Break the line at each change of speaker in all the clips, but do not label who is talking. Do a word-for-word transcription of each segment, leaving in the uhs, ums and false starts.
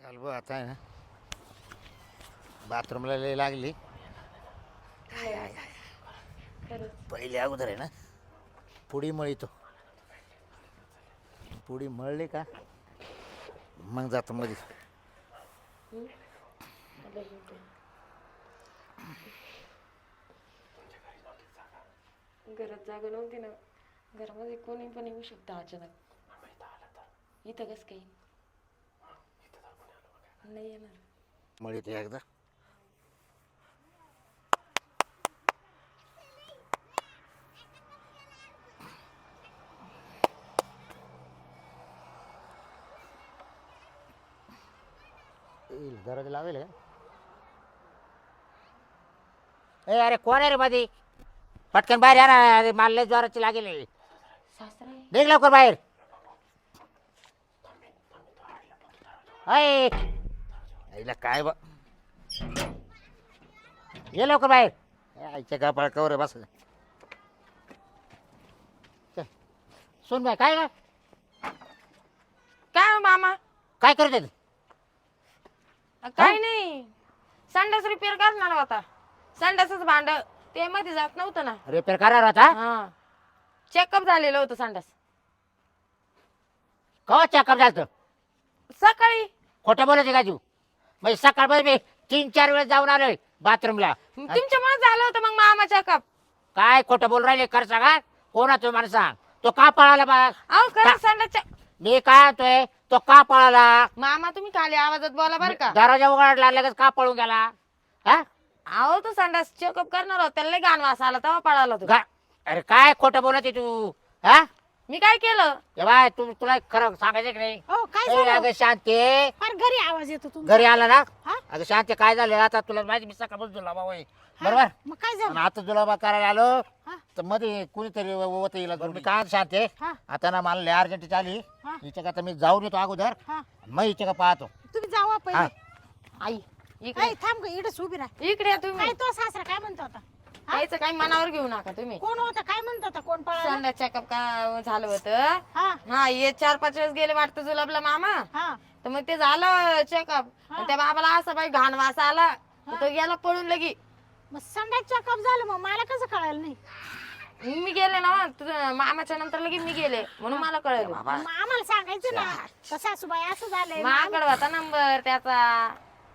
चाल बघ आता आहे ना बाथरूमला लय लागली.
हाय हाय हाय खरंच.
पहिले अगोदर आहे ना पुडी मळीतो. पुडी मळली का मग जातो मध्ये.
हं? मला घेते. घरात जागा नव्हती ना. घरामध्ये कोणी पण येऊ शकतं अचानक. इथं कसं काही नाही येणार.
मळीतो एकदा. येईल दरवाजा लावेल का? ए अरे कोण आहे रे मध्ये? पटकन बाहेर या ना. अरे मला लय जोराची लागेल.
सासरा आहे.
निघ लवकर बाहेर. अय आईला काय बा ये लवकर बाहेर. आईच्या गपाळ कवर बस. सुन बाय काय का
काय हो मामा?
काय करत आहे?
काय नाही, संडास रिपेअर करणार होता. संडासच भांड ते मध्ये जात नव्हतं ना.
रिपेअर करणार होता?
हा, चेकअप झालेलं होतं संडास.
कवा चेकअप झालं?
सकाळी.
खोटं बोलायचं का तू? म्हणजे सकाळमध्ये मी तीन चार वेळेस जाऊन आलोय बाथरूमला.
तुमच्यामुळे झालं होतं मग मामा चेकअप.
काय खोटं बोल राहिले कर सांगा. कोणा तुम्ही मला सांग. तो का पळाला बा?
अहो खरं संडासच्या.
मी काय होतोय तो का पळाला?
मामा तुम्ही खाली आवाजात बोला बरं का.
दरवाजा उघडला लगेच का पळून गेला? हा
अहो तो संडास चेकअप करणार होता, त्याला लय घाण वास आला तेव्हा पळाला तो.
गा- अरे काय खोटं बोलत आहे तू? हा
मी काय केलं?
ए बाय तू तुला खरं सांगायचं की नाही?
हो काय
ए,
झालं?
अगं शांती
फार घरी आवाज येतो तुमचा.
घरी आला ना.
हा?
अगं शांती काय झालं आता तुला माहिती मी सकाळपासून जुलाबा होय बरोबर.
मग काय
आणि
झालं?
आता जुलाबा करायला आलो
हा?
तर मध्ये कुणीतरी होत येईल. मी काय शांती
हा?
आता ना मला लय अर्जंट आली.
हा?
हिच्या का मी जाऊन येतो अगोदर
हा?
मग हिच्या का पाहतो.
तुम्ही जावा
हा
पहिले.
आई इकडे
काय थांब ग इकडेच उभी राहा.
इकडे या तुम्ही.
काय तो सासरा काय म्हणतो होता?
काहीच काही मनावर घेऊ नका तुम्ही.
कोण होता काय म्हणतो होता? कोण पळाला?
संडास चेकअप का झालं होतं.
हा?
हा ये चार पाच वेळेस गेले वाटतं जुलाबला मामा.
हा?
तर मग ते झालं चेकअप.
हा.
त्या बाबाला असं बाई घाण वास आला तर तो गेला पळून लगी.
मग संडास चेकअप झालं मग मला कसं कळालं नाही?
मी गेले ना तुझ्या मामाच्या नंतर लगी मी गेले म्हणून मला कळलं.
मग आम्हाला सांगायचं ना का सासूबाई असं झालंय.
माकडे होता नंबर त्याचा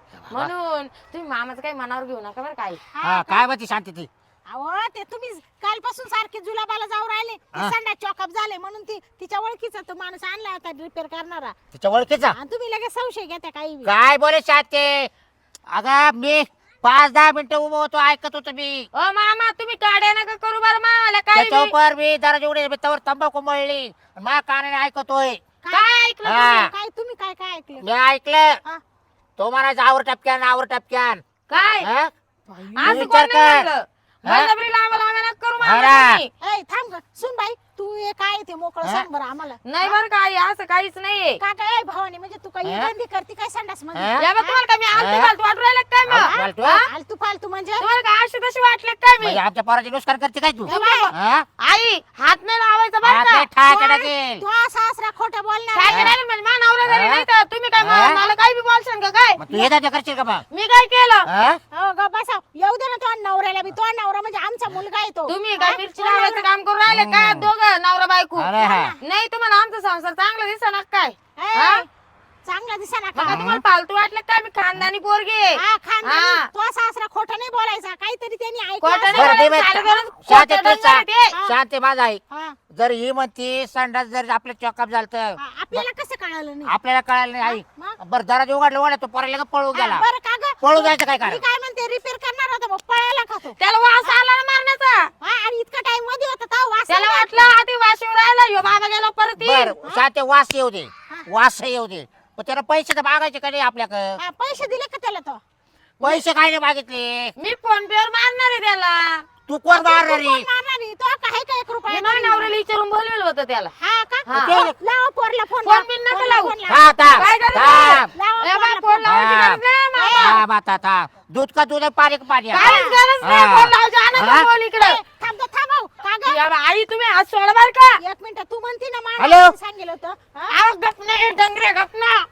म्हणून तुम्ही मामाचं काही मनावर घेऊ नका बरं काही.
हा काय म्हणते शांती ती?
अहो ते तुम्ही कालपासून सारखे जुलाबाला जाऊ राहिले. ते
हा?
संडास चेकअप झाले म्हणून ती तिच्या ओळखीचा तो माणूस आणला होता रिपेअर करणारा.
तिच्या ओळखीचा
आणि तुम्ही लगेच संशय घेता काही बी.
काय बोले शांती? अगं मी पाच दहा मिनिटं उभं होतो ऐकत होतो मी.
ओ मामा तुम्ही काढ्या नका करू बरं मामाला काय
त्याच्या उपर मी दराज उडे तवर तंबाखू मळली मा कानाने ऐकतोय.
काय ऐकलं
हा.
तुम्ही?
काय तुम्ही काय काय ऐकलं?
मी ऐकलं
हा?
तो म्हणायचा आवर टपक्यान आवर टपक्यान.
काय
हा?
असं
विचार
कोण नाही
कर.
म्हणलं.
हा?
बळजबरी लावा लावा नका करू
हा
मामा
ना.
तुम्ही.
ए थांब ग सुन बाई तू हे काय ते मोकळं
हा?
सांग बरं आम्हाला.
नाही बरं काय असं काहीच नाहीये.
का काय भावानी म्हणजे तू काही
हा?
गंदी करते काय संडास मध्ये?
हा?
या बा तुम्हाला काय मी आलती
हा?
फालतू वाटू राहिलं काय मग?
आलती फालतू?
हा?
फालतू फालतू म्हणजे
तुम्हाला काय अशी तशी वाटले काय मी?
म्हणजे आमच्या पोराची नुसकान करते काय तू?
ए बाई,
हा?
आई हात नाही लावायचा बरं
हात
का?
नाही ठाक टाकेल.
तू सासरा खोटं बोलणार
काय
आहे.
करायला म्हणजे मा नवरा घरी
हा?
नाही तर तुम्ही काय
हा?
मा- मला काही बी बोलशाल का काय?
मग तू येतात करशील का मग?
मी काय केलं?
हा?
हो ग बसा येऊ दे ना तो नवऱ्याला बी. तो नवरा म्हणजे आमचा मुलगा आहे तो.
तुम्ही
हा?
काय मिरची
तो
लावायचं
नवरा-
काम करून राहिले काय
हम्म.
दोघं नवरा बायको?
अरे हा.
नाही तुम्हाला आमचा संसार चांगला दिसणार काय?
ए,
हा?
चांगला दिसा ना
मग
का?
तुम्हाला फालतू वाटलं काय मी खानदानी पोरगी आहे?
हा खानदानी.
हा.
तो सासरा खोटं नाही बोलायचा काहीतरी त्यांनी ऐकलं
खोटं
असेल.
नाही
बरं, दे बाई.
चालू करून
शांती
खोटं
तू
डोंगर
सांग.
ते.
हा.
शांती माझा आहे.
हा.
जर ही म्हणती संडास जर आपलं चॉकअप झालं तर
हा, आपल्याला कसं कळालं नाही?
आपल्याला कळालं नाही आई.
मग?
बरं दराज उघडलं उघडलं तो पोराला का पळून
हा,
गेला.
बरं का ग?
पळून जायचं काय
मी
कारण?
काय म्हणते रिपेअर करणार होता मग पळायला का तो?
त्याला वास आला ना मारण्याचा.
हा, आणि इतका टाइम मध्ये होता तेव्हा वास
त्याला
नाही
वाटलं आधी वाशिव राहिला ह्यो बाबा गेला परत येईल.
बर शांती वास येऊ दे
हा.
वास येऊ दे पण त्याला पैसे तर मागायचे का नाही आपल्याकडे?
हा, पैसे दिले का त्याला तो?
पैसे काय नाही मागितले.
मी फोन पे वर मारणार आहे त्याला.
तू कोण मारणार
कोण मारणार आहे? तो काय का एक
मी
रुपया
माझ्या नवऱ्याला विचारून बोलवलं होतं त्याला.
हा का?
हा.
लावा पोरला फोन.
फोन बिन नका लावू.
हा थांब
काय करायचं?
थांब
लावा
ए बा,
पोरला
फोन लावायची
हा.
गरज नाही मला.
हा बाता थांब दूध का दूध आहे, पाणी का पाणी आहे?
काहीच गरज नाही
हा.
फोन लावायची. आणा तो
हा?
फोन इकडे.
ए, थांब तो थांबव. का ग?
या बा, आई तुम्ही हात सोडा बर का?
एक मिनिट तू म्हणती ना
हॅलो?
मला सांगितलं होतं. हा?
आव गप नाही डंगरे गप ना.
ए,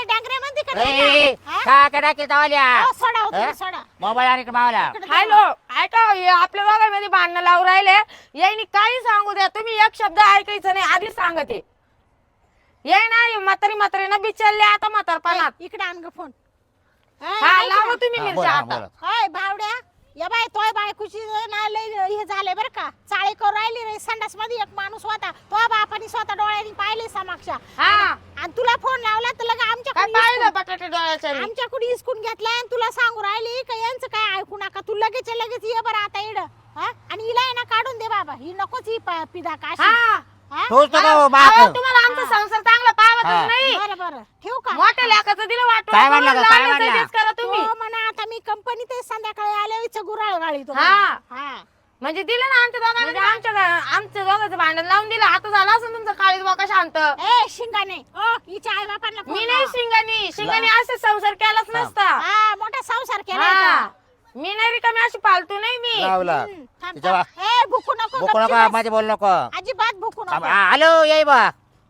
काय डांगरे म्हणते का
ए,
नाही?
ए,
हा?
का का टाकी तावल्या
अहो, सोडा हो तुम्ही,
हा?
सोडा
मोबाईल आणि मावला
इकडे द्या.
हॅलो ऐका हे आपल्या दोघांमध्ये भांडणं लावून राहिले यांनी काही सांगू द्या तुम्ही एक शब्द ऐकायचं नाही आधीच सांगते ये नाही म्हातारी म्हातारी ना बिचारले आता म्हातारपणात
इकडे आण ग फोन
हा लावा तुम्ही
हा,
मिरच्या
बोला,
आता
बोला.
होय भावड्या या बाय तोय बायकोची ना लय हे झाले बरं का चाळे करू राहिली रे संडास मध्ये एक माणूस होता तो बापानी स्वतः डोळ्यांनी पाहिले समक्ष
हा
आणि तुला फोन लावला तर लगा
काय
आमच्याकडे
पाहिलं
हिसकून-
बटाटे डोळ्याच्या
आमच्याकडे हिसकून घेतलाय आणि तुला सांगू राहिली का यांचं काय ऐकू नका तू लगेच लगेच ये बरं आता इड हा आणि हिला आहे ना काढून दे बाबा ही नकोच ही प- पिदा काशी
हा
हा?
तोच तो का
अहो,
बाप
तुम्हाला आमचा संसार चांगला पावतच
हा.
नाही
बरं बरं ठेवू का
मोठ्या लेकाचं दिलं वाटून
काय म्हणलं
करून
गं, काय
लहानाचं
म्हणलं?
तेच करा तुम्ही
हो म्हणा आता मी कंपनीत आहे, संध्याकाळी आले गुराळ गाळी तो
हा.
हा
म्हणजे दिलं ना आमच्या दोघांना म्हणजे आमच्या घ- आमच्या दोघांचं भांडण लावून दिलं आता झालं असं तुमचं काळीज बोका शांत
ए शिंगाने ओ हिच्या आई बापांना फोन
मी नाही
लाव.
शिंगानी शिंगानी असे संसार केलाच नसता
हा मोठा संसार केला
हा. मी नाही रिकामी अशी पालतू नाही मी
लावला
थांब
तिच्या
थांब. ए भुकू नको
बोकू
गपची
नका
बस.
माझे बोल नको
अजिबात भुकू
थांब,
नको
हा, हॅलो येई बा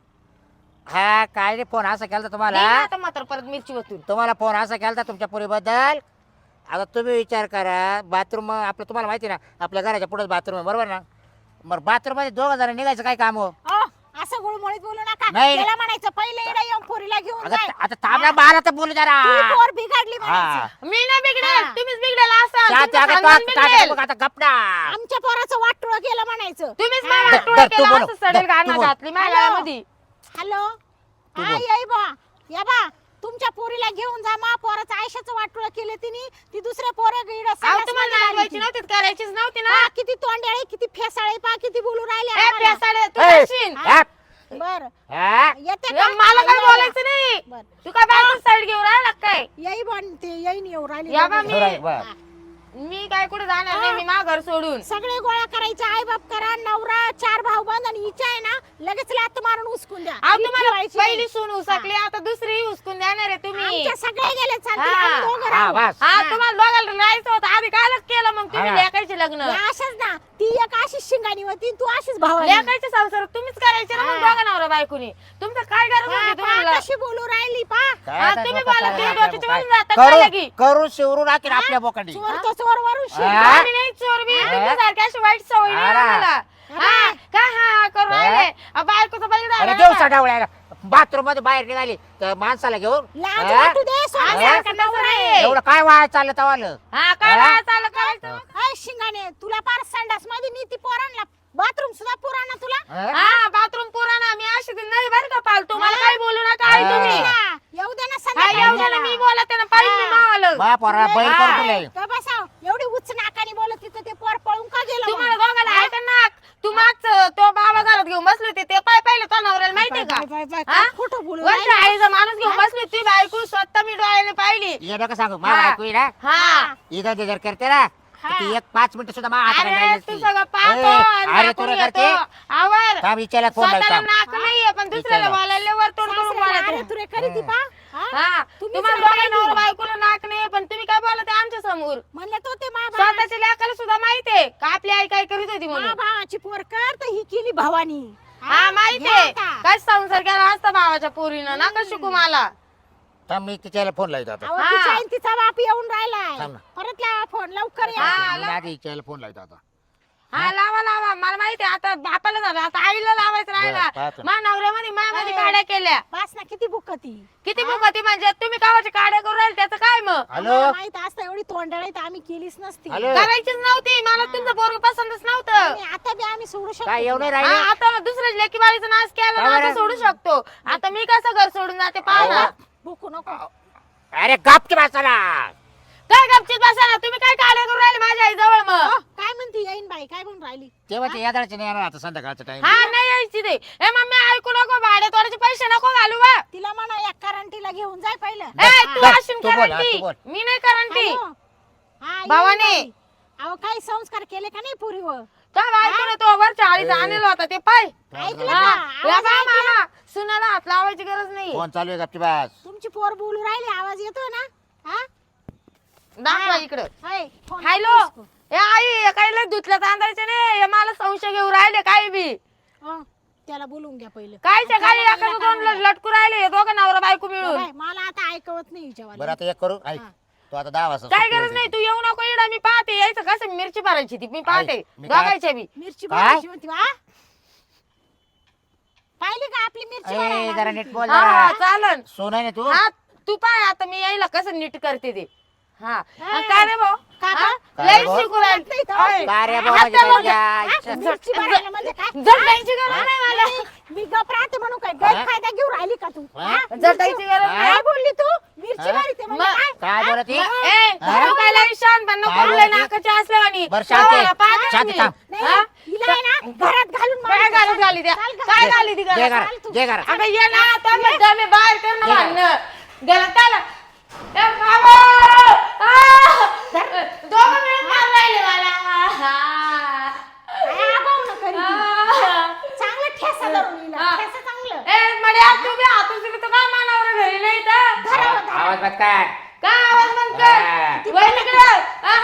हा काय रे फोन असा केला तुम्हाला
नाही ना आता मात्र परत मिरची वतून
तुम्हाला फोन असा केला तुमच्या पुरीबद्दल आता तुम्ही विचार करा बाथरूम आपलं तुम्हाला माहिती ना आपल्या घराच्या पुढेच बाथरूम आहे बरोबर ना मग बाथरूम मध्ये दोघं जण निघायचं काय काम हो
ओ असं गुळमुळीत बोलू नका
नाही.
त्याला म्हणायचं पहिले इकडे येऊन पोरीला घेऊन
आता
जाय
आता थांबला बारा तर बोलू जरा
ती पोर बिघडली
हा
म्हणायचं
मी नाही बिघडेल
हा.
तुम्हीच बिघडेल असाल
शांती,
तुमचं
आता
खानदान
तो- आता-
बिघडेल.
आता- आता गपना
आमच्या पोराचं वाटोळ केलं म्हणायचं
तुम्हीच
हा.
मला
दर-
टोळा
दर, तू
केला
बोल.
असं सडेल
दर, तू
गाणं
बोल.
घातली माझ्या
हॅलो.
गळ्यामध्ये.
हॅलो
तू
हा
बोल.
येई बा या बा तुमच्या पोरीला घेऊन जा मा पोराचं आयुष्याचं वाटोळ केलं तिने ती दुसऱ्या पोरं गिड
अहो तुम्हाला नांदवायची नव्हती करायचीच नव्हती ना
किती तोंडाळे किती फेसाळे पा किती बोलू राहिले
ए,
आम्हाला.
पेसाडे, तू
ए,
करशील.
हा,
बर
हा.
येते
ए,
का
मला काय
ये,
बोलायचं नाही
बर
तू काय बायको साईड घेऊन राहिला काय
येई बनते येई येऊ राहिली
या बा
दोघं.
मी-
बरं, बरं.
हा.
मी काय कुठे जाणार नाही मी मा घर सोडून
सगळे गोळा करायचे आई बाप करा नवरा चार भाऊ बंद आणि हिच्या आहे ना लगेच लात मारून उचकून द्या
अहो
ही
तुम्हाला
ठेवायची
पहिली
नाही.
सून उसाकली आता दुसरी उचकून देणार आहे तुम्ही
आमच्या सगळे गेले चालतील,
हा.
आम्ही दोघं
हा
राहू.
बस
हा तुम्हाला दोघांना राहायचं होतं आधी काय केलं मग तुम्ही
हा.
लेकायचे लग्न
या अशाच ना ती एक अशीच शिंगाणी होती तू अशीच भावानी
लेकायचे संसार तुम्हीच करायचे ना मग
हा.
दोघा नवरा बायकोनी तुमचं काय गरज
पा,
होती
पा,
तुम्हाला
कशी बोलू राहिली पा
काय
हा,
आता
तुम्ही
डोकं
बोला,
चाललंय
तुम्ही
आपल्या
डोक्याच्या
काय?
वरून जाता काय
करू
लगी?
करू शिवरून टाकीन आपल्या बोकांडी
चोर तो चोर वरून शिर.
हा.
आम्ही नाही चोर बी
हा.
तुमच्यासारख्या अशी वाईट सवय नाही
अरे.
आम्हाला हा काय हा हा करू
हा.
राहिले अ, बायकोचं बैल
अरे देऊ सडावळ्या बाथरूम मध्ये बाहेर निघाली तर माणसाला घेऊन
लाज
हा?
वाटू दे सोन्यासारखा
हा.
नवरा आहे.
एवढं काय वाया चाललं तवालं
हा काय
हा?
बाया चाललं करायचं
हाय शिंगाणे तुला पार संडास मध्ये नीती पोरांना बाथरूम सुद्धा पुराणा तुला
हा?
हा बाथरूम पुराणा मी अशी ती नाही बरं का पालतू मला काही बोलू नका आई
हा.
तुम्ही
हा, येऊ दे ना
हा
संध्याकाळी
येऊ
त्याला.
मी बोलत आहे ना पाहिजे मी मावालं
बा पोरा बैल
हा.
करून तुला
तो बसाव एवढी उच्च नाकाने बोलत तिथं ते पोर पळून का गेलं
तुम्हाला
मग?
दोघाला ऐका ना तू मागच तो बाबा घरात घेऊन बसले होते ते पाय पाहिलं तो नवऱ्याला माहितीये
बाय, बाय, बाय,
का
काय
हा?
खोटं बोलू
वरच्या
राहिली?
आईचा माणूस घेऊन बसली ती बायको स्वतः मी डोळ्याने पाहिली
ये नका सांगू मा
हा.
ऐकू ना
हा
इथं ते जर करते ना तर
हा.
ती एक पाच मिनिटं सुद्धा मा हाताने
अरे
राहिली
तू
नसती.
सगळं पाहतो
ए,
आणि
अरे
दाखवून
तुला
येतो.
करते
आवर
थांब हिच्याला फोन
स्वतःला
लावता
नाक नाहीये पण दुसऱ्याला
विचारा.
बोलायला वर तोंड करून
सासऱ्याला अरे
बोलायचं
तुरे करी ती पा हा?
हा
तुम्हीच
तुम्हाला
रागायली.
दोघा नवरा बायकोला नाक नाही पण तुम्ही काय बोलत आहे आमच्या समोर
म्हणलं तो ते मा
स्वतःच्या लेकाला सुद्धा माहितीये का आपली आई काय करीत होती
मा
म्हणून
भावाची पोर कर तर ही केली भवानी
हा माहितीये
घ्या आता.
काय संसार केला असता भावाच्या पोरीनं नका शिकू मला
थांब मी तिच्याला फोन लावतो आता
अहो,
हा.
तिच्या आणि तिचा बाप येऊन राहिलाय
थांब ना.
परत लावा फोन लवकर या
हा.
मी आधी हिच्याला फोन लावतो आता
हा लावा लावा मला माहितीये आता बापाला झालं आता आईला लावायचं
बरं,
राहिला
पाहतो.
मा नवऱ्यामध्ये मायामध्ये
अरे.
काड्या केल्या
बस ना किती बुकती
किती बुकती म्हणजे तुम्ही कावाच्या काड्या करून राहिले त्याचं काय मग
हॅलो
माहित असतं एवढी तोंडाळी तर आम्ही केलीच नसती
हॅलो
करायचीच नव्हती मला तुमचं पोरग पसंतच नव्हतं
आणि आता बी आम्ही सोडू शकतो
काय एवढं
तुला.
हा,
राहिले
आता दुसऱ्या लेकी बाळीचा नाश केला
काय
ना आता
बरं?
सोडू शकतो आता मी कसं घर सोडून जाते पाहा ना
बुकू नको
अरे गपची बसाला
काय गपचित बसा ना तुम्ही काय काड्या करून राहिले माझ्या आई जवळ मग
अहो, काय म्हणती येईन बाई काय म्हणून राहिली
तेव्हा ते यादाचे नाही येणार आता संध्याकाळचा टाइम
हा नाही यायची ते ए मम्मी ऐकू नको भाडे तोडाचे पैसे नको घालू बा
तिला म्हणा या करंटीला घेऊन जाय पहिलं
ए तू
बस,
अशी
तू बोल, हा,
करंटी
तू बोल.
मी नाही करंटी
हॅलो? हा, येईन
भावाने.
बाई. अहो काही संस्कार केले का नाही पुरीवर
तर ऐकून तो वरच्या आळीचा आणलेला होता ते पाय
ऐकलं
हा
का
या
आवाज
बा
ऐकला?
मामा सुनाला हात लावायची गरज नाही
फोन चालू आहे गपची बस
तुमची पोर बोलू राहिली आवाज येतोय ना हा
दाखवा
हा.
इकडं
हाय, फोन
हॅलो
नको उचलू.
ए आई काही लय धुतलं तांदळाचे नाही हे मला संशय घेऊ राहिले काही बी
हो. त्याला बोलवून घ्या पहिलं.
कायच्या
आणि
काही
त्याला
एखादं
काढून
दोन
द्या.
लटकू राहिले हे दोघं नवरा बायको मिळून.
बाय, मला आता ऐकवत नाही हिच्यावाली.
बरं आता एक करू ऐक
हा.
तू आता दहा वाजता
काय
सुट्टी
गरज नाही
व्हायची.
तू येऊ नको इकडं मी पाहते यायचं कसं मिरची भरायची ती मी पाहते
मी काय-
बघायच्या मी.
मिरची
काय?
भरायची होती वा. पाहिली का आपली मिरची
ए,
भरायला
जरा
लागली
नीट
ती.
बोल
हा
जरा.
चालन.
सोन आहे ना तू
हा तू पाय आता मी यायला कसं नीट करते ते. हा
ए,
आणि काय रे भाऊ
का
हा?
गं?
काय
लय
रे भाऊ?
शिकू राहिली.
नाही तर.
ओय,
काय रे
हात
भाऊ, म्हणजे
दाबून
काय
घ्या.
तुझ्या
हा? मिरची भरायला म्हणजे काय?
झटकायची गरज नाही मला.
मी गप राहते म्हणून काय
हा?
गैरफायदा घेऊ राहिली का तू?
हा?
हा?
झटायची गरज
हा?
नाही.
काय बोलली तू? मिरची
हा?
भरते म्हणजे
मग-
काय?
काय बोलत ही?
मग, ए,
हा?
तू काय लई शहाणपणा
काय
करू लय
बोलते?
नाकाची असल्यावानी.
बरं, शांत आहे.
गावाला पाहते ना
शांत
मी.
थांब.
नाही,
हा?
हिला आहे ना घरात घालून
काय
मारायचं.
घालत घाली द्या
चाल घरात.
काय घाली ती
जे
घरात?
करा
चाल तू.
जे करा
अगं ये ना आता मग मी बाहेर कर ना
ये.
भांडणं. घरात आला. ए, बाबा! आ! दोघं मिळून मारून राहिले मला.
काय आगाऊ नका रे ती.
आ!
चांगलं ठेसा धरून हिला.
हा.
ठेसा चांगलं.
ए, मड्या, तू बी हात उचलली तर काय मानावर घरी नाही तर?
धरा,
आवाज
धरा.
आवाज बघ काय
काय आवाज बंद
हा.
कर. वळ तिकडं. आ!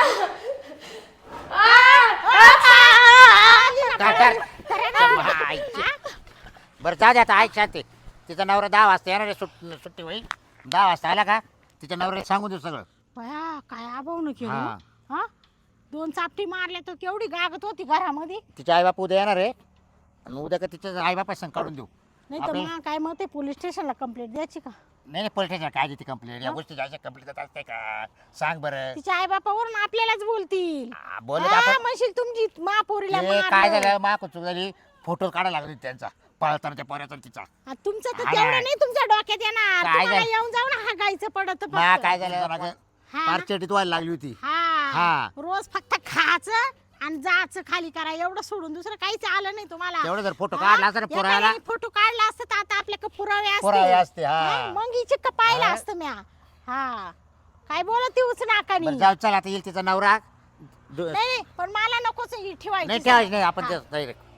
आ!
काय कर बरं जा दे आता ऐक शांती तिचा नवरा दहा वाजता येणार आहे सुट सुट्टी होईल दहा वाजता आला का तिच्या नवऱ्याला सांगून देऊ सगळं
बया, काय आबाऊ न केलं
हा.
हा दोन चापटी मारल्या तर केवढी गागत होती घरामध्ये.
तिच्या आईबाप उद्या येणार आहे आणि उद्या का तिच्या आईबापा संग काढून देऊ
नाही तर
आपली-
मग काय मग ते पोलीस स्टेशनला कंप्लेंट द्यायची का?
नाही नाही पोलीस स्टेशन काय देते कंप्लेंट या गोष्टी जायच्या कंप्लेंट देत असते का सांग बरं
तिच्या आई बापावरून आपल्यालाच बोलतील.
आ, बोलत
हा,
आपण
म्हणशील तुमची महापोरीला
ते काय
मारलं.
झालं मा चूक झाली फोटो काढायला लागले त्यांचा पळताना त्या पोऱ्याचा आणि तिचा
आ, तुमचं तर
हा.
तेवढं नाही तुमच्या डोक्यात येणार.
काय
तुम्हाला
झालं?
येऊन जाऊन हागायचं पडत
मा काय झालं मागं
हा.
फार चेटीत व्हायला लागली होती
हा
हा.
रोज फक्त खायचं आणि जायचं खाली करा एवढं सोडून दुसरं काहीच आलं नाही तुम्हाला.
तेवढं जर फोटो
हा?
काढला असता ना पुरायला
एखाद्याने फोटो काढला असता तर आता आपल्याकडे पुरावे
पुरावे
असते.
असते हा
हा, मग हिचे का पाहिलं
हा?
असतं म्या. हा काय बोलत तीच नाकानी.
बरं जाऊ चल आता येईल तिचा नवरा दु-
नाही नाही पण मला नकोच ही ठेवायची.
नाही ठेवायची नाही आपण
हा.
ते- नाही रे.